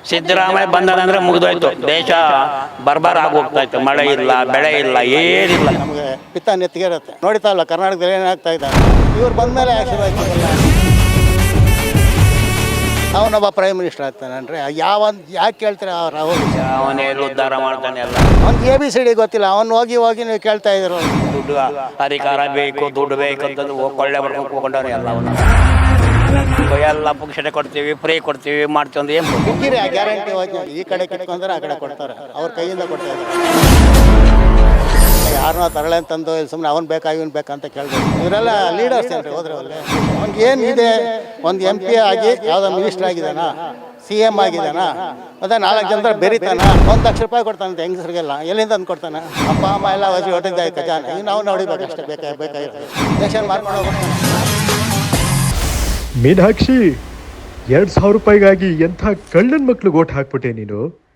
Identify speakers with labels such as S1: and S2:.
S1: ಸಿದ್ದರಾಮಯ್ಯ ಬಂದದಂದ್ರೆ ಮುಗಿದೋಯ್ತು, ದೇಶ ಬರ್ಬಾರ್ ಆಗಿ ಹೋಗ್ತಾ ಇತ್ತು. ಮಳೆ ಇಲ್ಲ, ಬೆಳೆ ಇಲ್ಲ, ಏನಿಲ್ಲ.
S2: ನಮಗೆ ಪಿತ್ತ ನೆತ್ತಿಗೆ ಇರುತ್ತೆ. ನೋಡ್ತಾ ಇಲ್ಲ ಕರ್ನಾಟಕದಲ್ಲಿ ಏನಾಗ್ತಾ ಇದ್ದಾರೆ. ಇವ್ರು ಬಂದಮೇಲೆ ಆಶೀರ್ವಾದ ಅವನೊಬ್ಬ ಪ್ರೈಮ್ ಮಿನಿಸ್ಟರ್ ಆಗ್ತಾನಂದ್ರೆ ಯಾಕೆ ಕೇಳ್ತಾರೆ ರಾಹುಲ್?
S1: ಅವನೇನು ಉದ್ಧಾರ ಮಾಡ್ತಾನೆ ಎಲ್ಲ.
S2: ಅವ್ನಿಗೆ ABCD ಗೊತ್ತಿಲ್ಲ. ಅವ್ನು ಹೋಗಿ ನೀವು ಕೇಳ್ತಾ ಇದ್ರು.
S1: ದುಡ್ಡು ಅಧಿಕಾರ ಬೇಕು, ದುಡ್ಡು ಬೇಕು ಅಂತಂದು ಕೊಳ್ಳೆ ಬರ್ಕೊಂಡು ಹೋಗ್ಕೊಂಡವ್ರೆ ಎಲ್ಲ. ಎಲ್ಲ ಪುಕ್ಷಟೆ ಕೊಡ್ತೀವಿ, ಫ್ರೀ ಕೊಡ್ತೀವಿ, ಮಾಡ್ತೀವಿ ಅಂದ್ರೆ ಏನು
S2: ಸಿಕ್ಕಿರಿ ಆ ಗ್ಯಾರಂಟಿ ಯೋಜನೆ. ಈ ಕಡೆ ಕಿತ್ಕೊಂಡ್ರೆ ಆ ಕಡೆ ಕೊಡ್ತಾರೆ, ಅವ್ರ ಕೈಯಿಂದ ಕೊಡ್ತಾ ಇದ್ದಾರೆ. ಯಾರನ್ನೋ ತರಳೆ ಅಂತಂದು ಸುಮ್ಮನೆ ಅವ್ನು ಬೇಕಾ ಇವನು ಬೇಕಂತ ಕೇಳ್ಬೇಕು. ಇವರೆಲ್ಲ ಲೀಡರ್ಸ್ ಏನ್ರಿ ಹೋದ್ರೆ ಅಲ್ಲೇ. ಅವ್ನಿಗೆ ಏನಿದೆ, ಒಂದು MP ಆಗಿ ಯಾವುದೋ ಮಿನಿಸ್ಟರ್ ಆಗಿದ್ದಾನ, CM ಆಗಿದ್ದಾನ, ಮತ್ತೆ 4 ಜನರ ಬೆರಿತಾನ, 1 ಲಕ್ಷ ರೂಪಾಯಿ ಕೊಡ್ತಾನಂತೆ ಹೆಂಗಸರಿಗೆಲ್ಲ. ಎಲ್ಲಿಂದ ತಂದು ಕೊಡ್ತಾನೆ? ಅಪ್ಪ ಅಮ್ಮ ಎಲ್ಲ ಹೊಟ್ಟಿದ್ದ ಖಜಾನೆ. ಈಗ ನಾವು ನೋಡಿಬೇಕು ಅಷ್ಟೇ. ಬೇಕಾಗಿರುತ್ತೆ ದೇಶ ಮಾಡ್ಕೊಂಡು ಹೋಗ್ತಾನೆ.
S3: ಮೀನಾಕ್ಷಿ, 2,000 ರೂಪಾಯಿಗಾಗಿ ಎಂಥ ಕಳ್ಳನ ಮಕ್ಳಿಗೆ ಓಟ್ ಹಾಕ್ಬಿಟ್ಟೆ ನೀನು.